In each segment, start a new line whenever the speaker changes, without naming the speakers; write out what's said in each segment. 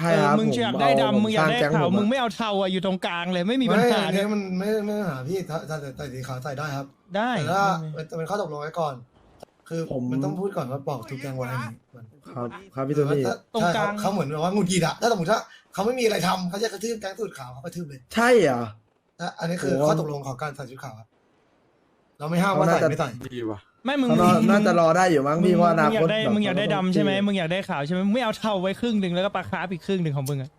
ช่ครับ
มึงอยากได้ดำมึงอยากได้ขาวมึงไม่เอาเทาอะอยู่ตรงกลางเลยไม่มีปัญหา
อัน
เล
นี้
ย
มันไม่ปัญหาพี่ถ้าใส่สีขาวใส่ได้ครับ
ได้
แต่ถ้าจะเป็นข้อตกลงไว้ก่อน คือมันต้องพูดก่อนว่าบอกทุกแกงไว้อย่างนี้มัน
ครับครับพี่โทนี่
ตรงกลาง
เขาเหมือนแบบว่าหงุดหงิดอะถ้าสมมติว่าเขาไม่มีอะไรทำเขาจะกระทืบแกงสูตรขาวเขากระทืบเลย
ใช่เหรอ
อันนี้คือข้อตกลงของการใส่ชุดขาวครับเราไม่ห้ามว่าใส่ไม่ใส่
ดีว่ะ
ไม่มึง
เขาน่าจะรอได้อยู่มั้งพี่เพราะอนาคต
มึงอยากได้ดำใช่ไหมมึงอยากได้ขาวใช่ไหมมึงไม่เอาเทาไว้ครึ่งหนึ่งแล้วก็ปลาคาร์ฟอีกครึ่งหนึ่งของมึงอะ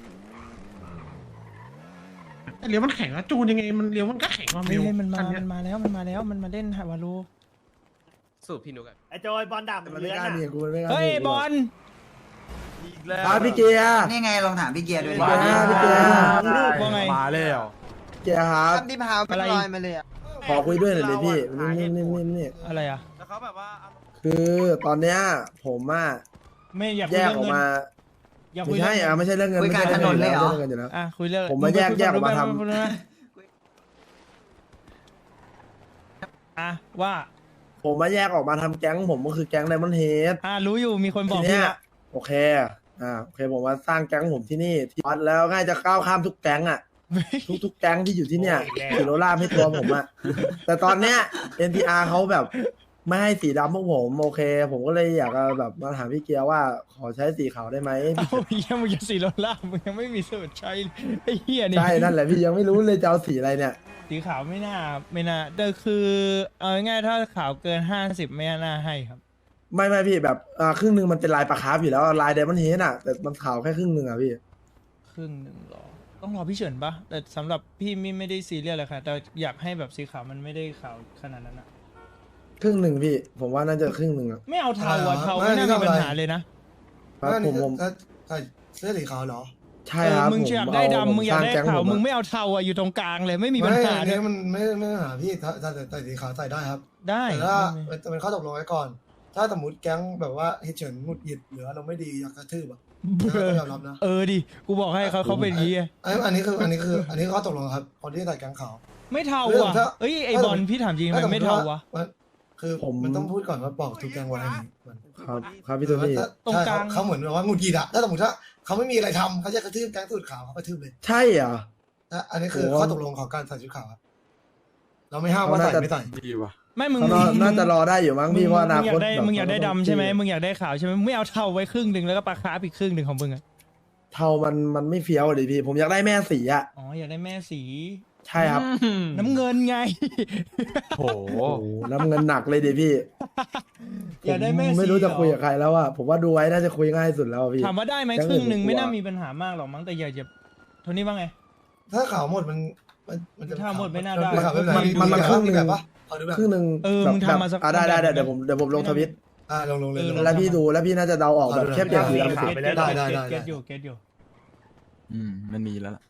เลี้ยวมันแข็งอะจูนยังไงมันเลี้ยวมันก็แข็งว่า
ไม่
มิว
เล่นมัน
คัเนี้ย
มาแล้วมันมาเล่นฮาวารู
สู้พี่นุกอะ
ไอจอยบอลดำ
มันไม่
เลื้อน
กล้า
อะ
หนีกูมันไม่กล้า
เฮ้ย
หนีกู
บอล
อีกแล้ว
ครับพี่เกียร์
นี่ไงลองถามพี่เกียร์ดูดิ
มาพี่เกียร์
ว่าไง
มาแล้ว
เกียร์ครับ
ที่พาวไม่ลอยมาเลยอ่ะ
ขอคุยด้วยหน่อยดิพี่นี่
อะไรอะ
แล้วเขาแบบว่า
คือตอนเนี้ยผมอะ
ไม่อยากคุ
แย
ย
ก
เรื่อง
ออก
เงิน
มา
อยากคุ
ไม่
ย
ใช่ไม่ใช่เรื่องเงินไม่ใช่เรื่องเงินอยู่แล้ว
อ่ะคุยเรื่อง
ผมมาแยกออกมาทำ
อ่ะว่า
ผมมาแยกออกมาทำแก๊งผมก็คือแก๊งไดมอนด์เฮด
รู้อยู่มีคนบ
ที
อก
เนี้
พี่
ย
ละ
โอเคโอเคผมมาสร้างแก๊งผมที่นี่ที่วัดแล้วง่ายจะก้าวข้ามทุกแก๊งอะทุกแก๊งที่อยู่ที่เนี่ยสีโรล่ามให้ตัวผมอะแต่ตอนเนี้ย NTR เขาแบบไม่ให้สีดำพวกผมโอเค ผมก็เลยอยากจะแบบมาถามพี่เกียร์ว่าขอใช้สีขาวได้ไหม
เอาเหี้ยมึงจะสีโรล่ามึงยังไม่มีสูตรใช้ไอ้เหี้ยนี่
ใช่นั่นแหละพี่ยังไม่รู้เลยจะเอาสีอะไรเนี่ย
สีขาวไม่น่าแต่คือเอาง่ายๆถ้าขาวเกิน50ไม่น่าให้ครับ
ไม่พี่แบบครึ่งหนึ่งมันเป็นลายปลาคาร์ฟอยู่แล้วลายไดมอนด์เฮดอะแต่มันขาวแค่ครึ่งหนึ่งอะพี่
ครึ่งหนึ่งหรอต้องรอพี่เฉินปะแต่สำหรับพี่ไม่ได้ซีเรียสเลยค่ะแต่อยากให้แบบสีขาวมันไม่ได้ขาวขนาดนั้นอะ
ครึ่งหนึ่งพี่ ผมว่าน่าจะครึ่งหนึ่งอะ
ไม่เอาเทาอะเทาไม่น่ามีปัญหาเลยนะครับ
ผม
ใส่เสื้อสีขาวเหรอ
ใช่ครับ
มึงอยากได้ดำมึงอยากได้ขาว มึง
ไม่
ไม่เอาเทาอะอยู่ตรงกลางเลยไม่มีปัญหา
อัน
เล
นี้
ย
มันไม่ปัญหาพี่ถ้าใส่สีขาวใส่ได้ครับ
ได้
แต่ถ้าจะเป็นข้อตกลงไว้ก่อน ถ้าสมมติแก๊งแบบว่าเฮเฉินหงุดหงิดหรือเราไม่ดีอยากกระทืบอะต้องยอมรับนะ
ดิกูบอกให้เขาเป็นอย่างนี้ไง
อันนี้คือข้อตกลงครับคนที่ใส่แก๊งขาว
ไม่เทา
เรื่อง
อ่ะ
ถ้า
เอ้ยไอบอลพี่ถามจริงมันไม่เทาวะ
คือมันต้องพูดก่อนว่าบอกทุกแก๊งไว้อย่างนี้มัน
ครับพี่โทนี่
ตรงกลาง
เขาเหมือนแบบว่าหงุดหงิดอะถ้าสมมติว่าเขาไม่มีอะไรทำเขาจะกระทืบแก๊งสูตรขาวเขากระทืบเลย
ใช่เหรอ
อันนี้คือข้อตกลงของการใส่ชุดขาวครับเราไม่ห้ามว่าใส่ไม่ใส่
ดีว่ะ
ไม่มึง
เขาน่าจะรอได้อยู่มั้งพี่เพราะอนาคต
มึงอยากได้ดำใช่ไหมมึงอยากได้ขาวใช่ไหมมึงไม่เอาเทาไว้ครึ่งหนึ่งแล้วก็ปลาคาร์ฟอีกครึ่งหนึ่งของมึงอะ
เทามันไม่เฟี้ยวเลยพี่ ผมอยากได้แม่สีอะ
อ๋ออยากได้แม่สี
ใช่ครับ
น้ำเงินไง
โห
โอ้โหน้ำเงินหนักเลยดิพี่
อยากได้แม่
ผม
สี
ไม่รู้จะ
เหรอ
คุยกับใครแล้วอะผมว่าดูไว้น่าจะคุยง่ายสุดแล้วอะพี่
ถามว่าได้ไหม
แก๊ง
ครึ่งหนึ่ง
อื่น
ไม่น่า
ผมกลัว
มีปัญหามากหรอกมั้งแต่อย่าโทนี่ว่าไง
ถ้าขาวหมดมันจะ
ถ้าหมดไม่น่าได้
ขาวไม่เป็นไร
มันครึ่งหนึ่ง
แบบปะเอาดูแบบ
ครึ่งหนึ่ง
มึงทำมาสัก
ได้
แบบ
เดี๋ยวผมลงทวิต
ลงเลย
แล้วพี่ดูแล้วพี่น่าจะเดาออกแบบแค่เปลี่ยนสีดำ
ขาวไปแล้ว
ได้
เก็ตอยู่
มันมีแล้วล่ะ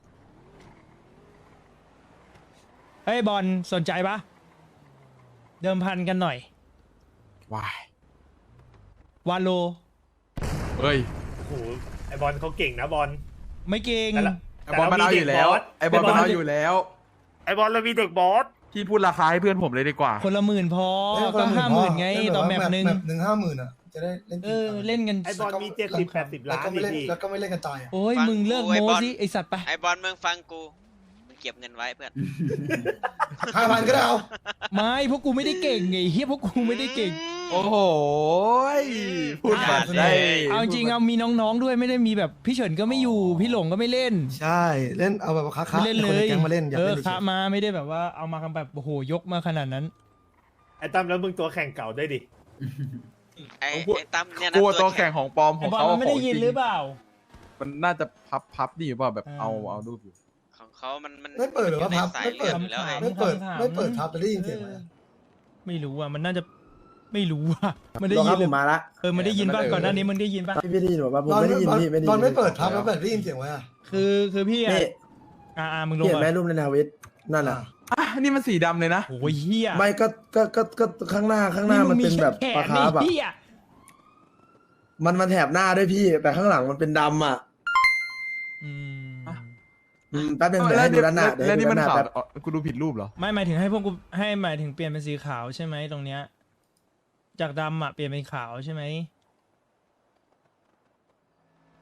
เฮ้ยบอลสนใจปะเดิมพันกันหน่อย
วาย
วาโล
เฮ้ย
โอ้โหไอบอลเขาเก่งนะบอล
ไม่เก่ง
แต่ละ
ไอบอลมันเอาอยู่แล้ว ไอบอลมันเอาอยู่แล้ว
ไอบอลเรามีเด็กบอส
พี่พูดราคาให้เพื่อนผมเลยดีกว่า
คนละหมื่นพอ
เอ้ย
ก็ 50,000ไง
เล่น
ต่อแมปหนึ่ง
หนึ่ง50,000อะจะได้เล่น
เล่นกัน
ไอบอลมี70-80
แล้ว
ล้าน
ก็ไม่
ดิ
เล่น
พี่
แล้วก็ไม่เล่นกันตายอะ
โอ้ย
ฟัง
มึงเลิก
กูไอ้
โม้
บอล
สิไอสัตว์ไป
ไอบอลมึงฟังกูมึงเก็บเงินไว้เพื่อน
5,000ก็ได้เอา
ไม่พวกกูไม่ได้เก่งไงเฮียพวกกูไม่ได้เก่ง
โอ้โหพูดมา
อ่า
ได้
เอาจริงๆเอามีน้องๆด้วยไม่ได้มีแบบพี่เฉินก็ไม่อยู่พี่หลงก็ไม่เล่น
ใช่เล่นเอาแบบค้า
ไม่เล่นเลย
แก๊งมาเล่นอยากเล่น
คะมาไม่ได้แบบว่าเอามากันแบบโอ้โหยกมาขนาดนั้น
ไอตั้มแล้วมึงตัวแข่งเก่าด้วยดิ
ไอ้ตั้มเนี่ยนะ
กลัวตัวแข่งของปลอมข
ไอ
อง
บอล
เขา
มันไม่ได้ยินหรือเปล่า
มันน่าจะพับดีหรือเปล่าแบบ
อ่า
เอารูปอยู่
ของเขามัน
ไม่เปิดหรือว่าพับ
สาย
ไม่เปิด
เลืออยู่แล้วไง
ไม่เปิด
ขำๆ
ไม่เปิดพับจะได้ยินเสียงไหม
ไม่รู้อ่ะมันน่าจะไม่รู้อ่ะมันได้
รอค
ยิ
รั
น
บ
ห
ผ
รือ
มมาละ
มันได้ยินป่ะก่อนหน้านี้มึงได้ยินป่ะ
พี่ได้ยินบอกว่าผมไม่ได้ยินพี่ไม่ได้ยิน
ตอนไม่เปิดพับแล้วเปิดได้ยินเสียงไว้อะ
คือพี่อ่ะ
นี่
มึงลง
เห็น
ก่อ
ไหม
น
รูปในทวิตนั่นน่ะ
อ่ะนี่มันสีดำเลยนะ
โอ้ยเฮีย
ไม่ก็ข้างหน้ามันเป็นแบบ
แข
ปลาน คาร์ฟอะ
เฮีย
มันแถบหน้าด้วยพี่ แต่ข้างหลังมันเป็นดำอะ
อืม
แป๊บนึงเดี๋ยวให้ดูด้านหน้าเดี๋ยว
แล้ว
ให้ดู
นี่มัน
ด้านหน้า
ขาว
แป๊บ
อ๋อกูดูผิดรูปเหรอ
ไม่หมายถึงให้พวกกูให้หมายถึงเปลี่ยนเป็นสีขาวใช่ไหมตรงเนี้ยจากดำอ่ะเปลี่ยนเป็นขาวใช่ไหม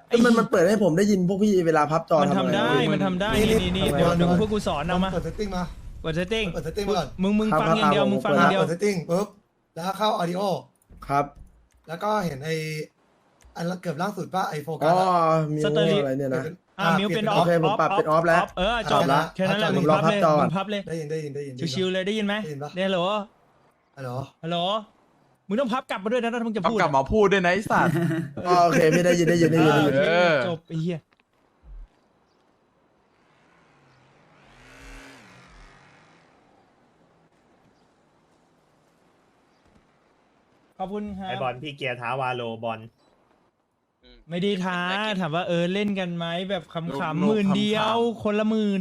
มันเปิดให้ผมได้ยินพวกพี่เวลาพับจอ
มันทำได้
อะไร
มันทำได้
นี่
นี่
ทำไม
เดี๋ยวดูพวกกูสอนเอามา
เปิดเซตติ้งมาก
ดเซตติ้ง
เปิดเซตติ้งก่อน
มึงฟังอย่างเดียวมึงฟังอย่างเดียว
เปิดเซตติ้งปุ๊บแล้วเข้าออดิโอ
ครับ
แล้วก็เห็นอันเกือบล่างสุดป่ะไอโฟกั
อ๋
ส
อมิวอะไรเนี่ยนะ
มิวเป็นอ
โอ
อฟ
เคผมปรับเป็นออฟแล้ว
จบ
ละ
แค่นั้นแหละ
ผม
มึง
รอ
พับเลย
พับจอก่อน
มึงพับเลย
ได้ยิน
ชิวๆเลยได้ยินไหม
ได้ยินปะ
เนี่ยฮัลโหล
ฮัลโหล
ฮัลโหลมึงต้องพับกลับมาด้วยนะถ้ามึงจะ
เอา
พูด
กลับมาพูดด้วยนะไอ้สัตว์
อ๋อโอเคพี่ได้ยิน
เออ
จบไอ้เหี้ยขอบคุณครั
ไอบ บอลพี่เกียร์ท้าวาโลบอล
ไม่ได้ท้าถามว่าเล่นกันไหมแบบขำๆหมื่นเดียว
ขำ
คนละหมื่น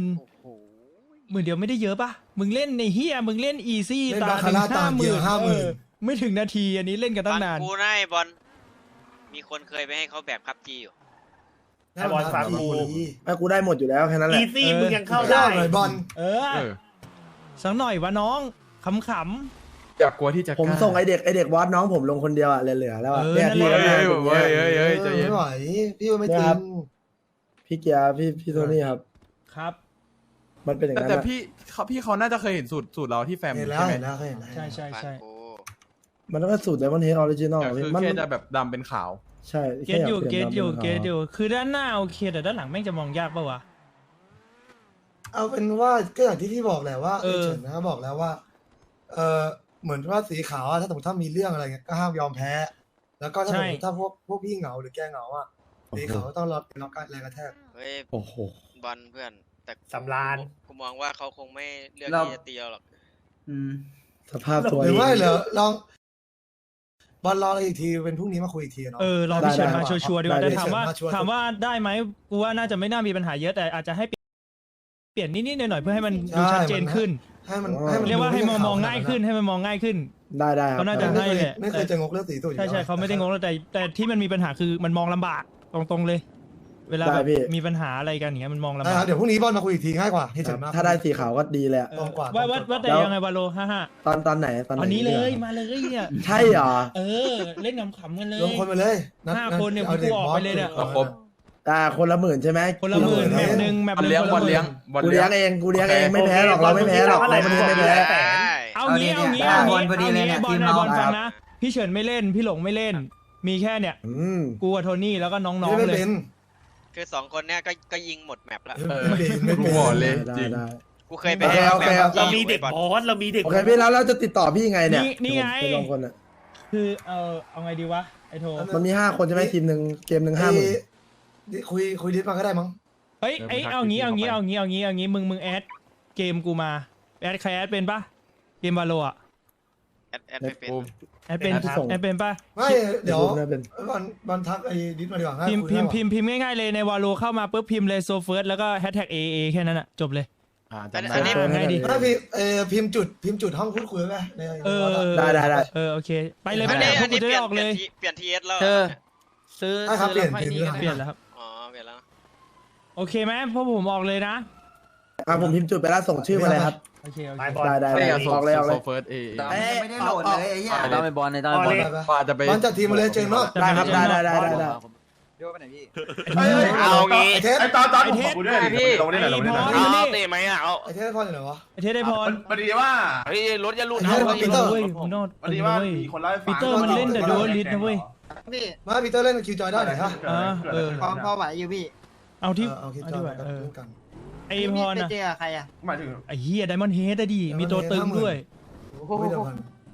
10,000เดียวไม่ได้เยอะปะมึงเล่นในเฮียมึงเล่นอีซี่
เล่น
ตา
บาคาร่าตามเดียว 50,000
ไม่ถึงนาทีอันนี้เล่นกันตั้
ฟั
ง
ง
นาน
กูนะไอ้บอลมีคนเคยไปให้เขาแบบคับจีอยู่
ไอบอลฟังกู
ไอ้กูได้หมดอยู่แล้วแค่นั้นแห
อี
ละ
ซี่มึงยังเข้า
ได้
ได้
หน่อยบอล
เออ
เออ
สักหน่อยวะน้องขำ
อย่ากลัวที่จะ
ผมส่งไอเด็กวอดน้องผมลงคนเดียวอ่ะเหลือๆแล้วอ่ะ
เออ
เนี่ย
นั่น
พี่
แหละ
ก็ได้
เฮ้ยใจเย็น
ไม่ไหวพี่ว่าไม่จริ
ครั
ง
บ พี่เกียร์พี่โทนี่ครับ
ๆครับ
มันเป็นอย่างนั้น
แต่
อะ
พี่เขาน่าจะเคยเห็นสูตรเราที่แฟม
เห็นแล้ว
ใช่ไหม
เห็นแล้วเห็นแล้ว
ใช่ใช่
ฟัง
ใช่
กู
มันต้องเป็นสูตรไดมอนด์เฮดออริจินอล
แต่คือ
มัน
แค่จะแบบดำเป็นขาว
ใช่
เกตอยู่
แค่
เก
อยา
ต
ป
อ
ลี่
ยู่
น
เกตอยู่คือด้านหน้าโอเคแต่ด้านหลังแม่งจะมองยากปะวะ
เอาเป็นว่าก็อย่างที่พี่บอกแหละว่า
เออ
เฉินนะบอกแล้วว่าเหมือนว่าสีขาวอะถ้าสมมติถ้ามีเรื่องอะไรเงี้ยก็ห้ามยอมแพ้ แล้วก็ถ้าสมมติถ้าพวกพี่เหงาหรือแกเหงาอะสีขาวก็ต้องรับการแรงกระแทก
เฮ้ย
โอ้โห
บอลเพื่อนแต่
สำราญ
กูมองว่าเขาคงไม่เลือก
เรา
ที่จะตีเราหรอก
สภาพตัว
หรือว่า
เอง
เหรอลองบอลรออะไรอีกทีเป็นพรุ่งนี้มาคุยอีกทีเนาะ
รอพี่เฉินมา
ได้
ชัวร์ๆดีกว่า
ได้
แต่ถามว่า
เฉินมาชัวร์
ถามว่าได้ไหมกูว่าน่าจะไม่น่ามีปัญหาเยอะแต่อาจจะให้เปลี่ยนนิดๆหน่อยๆเพื่อให้มันดูชัดเจนขึ้น
ให้มัน
เรียกว่าให้
ดู
มองง่ายขึ้นให้มันมองง่ายขึ้น
ได้ครับ
เขาน่าจะ
ไม่
ให้
เคย
แหละ
ไม่เคยจะงกเรื่องสีสูตรอยู่
ใช่
แล้ว
เขาไม่ได้งงแล้วแต่ที่มันมีปัญหาคือมันมองลำบากตรงๆเลย เวลา
ได้
แบบ
พี่
มีปัญหาอะไรกันอย่างเงี้ยมันมองลำ
ได้
บา
ครั
ก
บเดี๋ยวพรุ่งนี้บอลมาคุยอีกทีง่ายกว่าให้เฉินมาก
ถ้าได้สีขาวก็ดีเลยอะ
ตรงกว่า
ว่าแต่ยังไงวาโล55
ตอนไหนตอนไหน
อันนี้เลยมาเลยเนี่ย
ใช่เหรอ
เล่นขำๆกันเลย
รวมคนมาเลยนัด
5 คนเนี่ย
อา
กูออกไปเลยเนี่ย
ด็กบอส
ครบ
คนละหมื่นใช่ไหม
คนละหมื่นแมปหนึ่งแมป
บอล
หนึ่ง
เลี้ยง
คน
บอ
ละ
ล
หมื่
เลี้ยง
น
บอล
กู
เลี้
เลี้
ย
ย
ง
งเองกูเลี้ยงเองไม่แพ้หรอกเราไม่แพ้หรอกเราไม่แพ้
เอางี้เอางี้
ได้
เอา
บอ
งี้
ลพอดีเลยเนี่ย
บอ
ที
ล
ม
นะ
เรา
บอลฟังนะพี่เฉินไม่เล่นพี่หลงไม่เล่น มีแค่เนี่ย กูกับโทนี่แล้วก็น้อง
ไม่
ๆเลย
เป็น
คือ2 คนเนี้ยก็ยิงหมดแมปแล้ว
ไม่เป็นไม่
กู
เป็น
บอกเลย
ได้
จริง
ได้
กูเคยไป
โอเค
ให้
โอเค
แบบ
เรามีเด็กบอสเรามีเด็ก
โอเคพี่แล้วเราจะติดต่อพี่ไงเนี่ย
นี่ไง
ผมเป็นลงคนอะ
คือเอาไงดีวะไอโท
มันมี5 คนใช่ไหมทีมหนึ่งเกมหนึ่ง
ไอ้
50,000
คุยดิสมาก็ได้มั้ง
เฮ้ยเอางี้มึงแอดเกมกูมาแอดใครแอดเป็นปะเกมวาโลอะ
แอดไม่เป็น
แอดเป็นแอดเป็นปะ
ไม่เดี๋ยว
น่าเป็น
บอลทักไอ้ดิสมาดีกว่าง่าย
พิมพ์ง่ายๆเลยในวาโลเข้ามาปุ๊บพิมพ์เลยโซเฟิร์สแล้วก็แฮชแท็ก AA แค่นั้นอะจบเลย
จำ
อันนี้
ได้
ง่ายดี
ไม่พิมพ์จุดห้องพูดคุยไว้ไหมใน
ได้
โอเคไปเลย
อัน
ไป
นี้
พว
อั
ก
น
กู
นี้
จะ
เป
ได้
ลี่ยน
ออกเลย
เปลี่ยนทีเอสแล้ว
ซื้อ
ครับเปลี่ยน
แล้วค่อยนี่
เปลี่ยนแล้วครับ
อ๋อเปลี่ยนแล้ว
โอเคไหมพวกผมออกเลยนะ
ผมพิมพ์จุดไปแล้วส่งชื่อมาเลยครับ
โอเค
ไปบอล
ได้
ไม่อยาก
ออกเลยออกเลย
โซเฟิร์สเอ
ไม่ได้โหลดเลยไอ้เหี้ย
ต้องไปบอลในต้องไปบอล
กว่าจะไป
บอลจัดทีมมาเลยเจมส์เนาะ
ได้ครับได้
เดี๋ยวไปไหนพี่
เอางี้
ไอเทส
ไอ้ตอน
ไอเทส
พี่ลงได้ไหนลงได้ไหน
เอา
เตะไหมอ่ะเอา
ไอเทสพออยู่ไหนวะ
ไอเทสได้พร
พอดีว่าเฮ้ยรถอย่าหลุด
ไอ้เทสปีเตอร์
เว้ยมึงนอด
พอดีว่ามีคนเล่าให้ฟัง
ปีเตอร์มันเล่นแต่ดูลิสนะเว้ย
พี่
มาปีเตอร์เล่นคิวจอยได้ไหนฮะ
พอไหวอยู่พี่
เอาที่
เอาคิว
เอา
จอ
ที่
ย
ไหว
กัน
ไอ
พี่
พร
ไป
นะ
เจอใครอ่ะ
หมายถึง
ไอเฮียไดมอนด์เฮดอะดิมีตัวตึงด้วย
ไม่เดียวกัน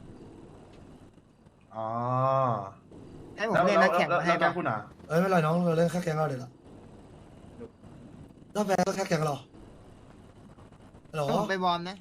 อ๋อ
ให้ผมเล่นนักแข่งมาให้
แก
ป่ะ
คุณอ่ะ
ไม่เป็นไรน้องเราเล่นแค่แกงเราเดี๋ยวละถ้าแพ้ก็แค่แกงเราหรอ
ให้ผมไปบอลนะ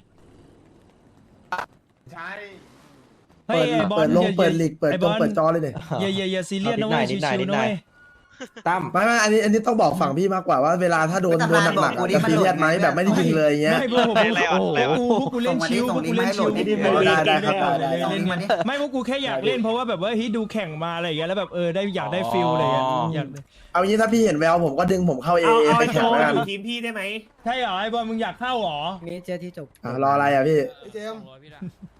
ใช่
เฮ้ยไอบอล
เปิดลีกเปิดจอเลยเนี่ย
อย่าซีเรียสนะเว้ยชิวๆนะเว้ย
ตั้ม
ไม่อันนี้ต้องบอกฝั่งพี่มากกว่าว่าเวลาถ้าโดนหนักๆจะซีเรียสไหมแบบไม่ได้ยิงเลยเงี้ย
ไม่พวกกูเล่นชิวพวกกูเล่นชิว
ได้ครับได้
เล่นไม่พวกกูแค่อยากเล่นเพราะว่าแบบว่าเฮ้ยดูแข่งมาอะไรอย่างเงี้ยแล้วแบบได้อยากได้ฟิลอะไรอย่างเงี้ยอยาก
เอางี้ถ้าพี่เห็นแววผมก็ดึงผมเข้าเอ
เอา
ไป
ไอ้โช
แข่ง
ว์
แล้วกัน
อยู่ทีมพี่ได้ไหม
ใช่เหรอไอบอลมึงอยากเข้าเหรอ
นี่เจอที่จบ
รออะไรอ่ะพี่
เจม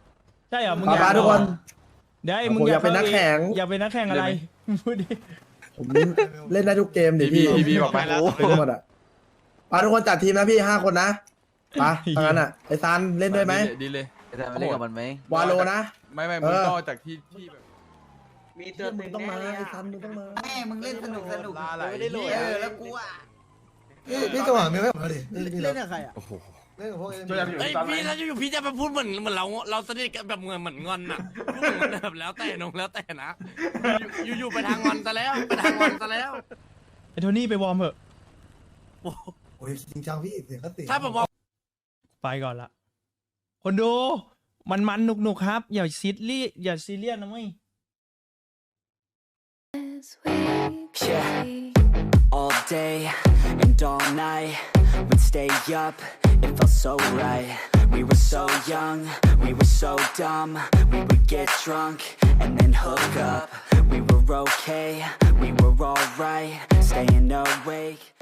ใช่เหรอมึง
ป้าทุกคน
เดี๋ยว
ผมอยากเป็นนักแข่ง
อยากเป็นนักแข่งอะไรพูดดิ
ผมเล่นได้ทุกเกมดิ
พี่บอกไป
โอ้โหหมดอ่ะไปทุกคนจัดทีมนะพี่5 คนนะไปทางนั้นอ่ะไอ้ซานเล่นด้วยไหม
ดีเลย
จะมาเล่นกับมันไหม
วาโลนะ
ไม่มึงก็จากที่แบบ
มีตัว
มึงต้องมาไอ้ซานมึงต้องมา
แม่มึงเล่นสนุก
ไม่ได้โหลด
แล้วกูอ่ะ
พี่จังหวะมีไหมผมดิเล่น
กับใครอ่ะ
เล่นกับพวกเอ็น
ช่วยกันอยู่
เฮ้ย
ตอนไหน
พี่ถ้าอยู่พี่จะมาพูดเหมือนเราสนิทกันแบบเหมือนงอนน่ะพูดเหมือนแบบแล้วแต่นงแล้วแต่นะอยู่ไปทางงอนซะแล้วไปทางงอนซะแล้ว
ไอ้โทนี่ไปวอร์มเถอะ
โอ้ยจริงจังพี่เสียงก็เสียง
ถ้าผมบอก
ไปก่อนละคนดูมันหนุกๆครับ อย่าซีเรียสนะเว้ย
Yeah, all day and all night, we'd stay up, it felt so right. We were so young, we were so dumb, we would get drunk and then hook up. We were okay, we were alright, staying awake.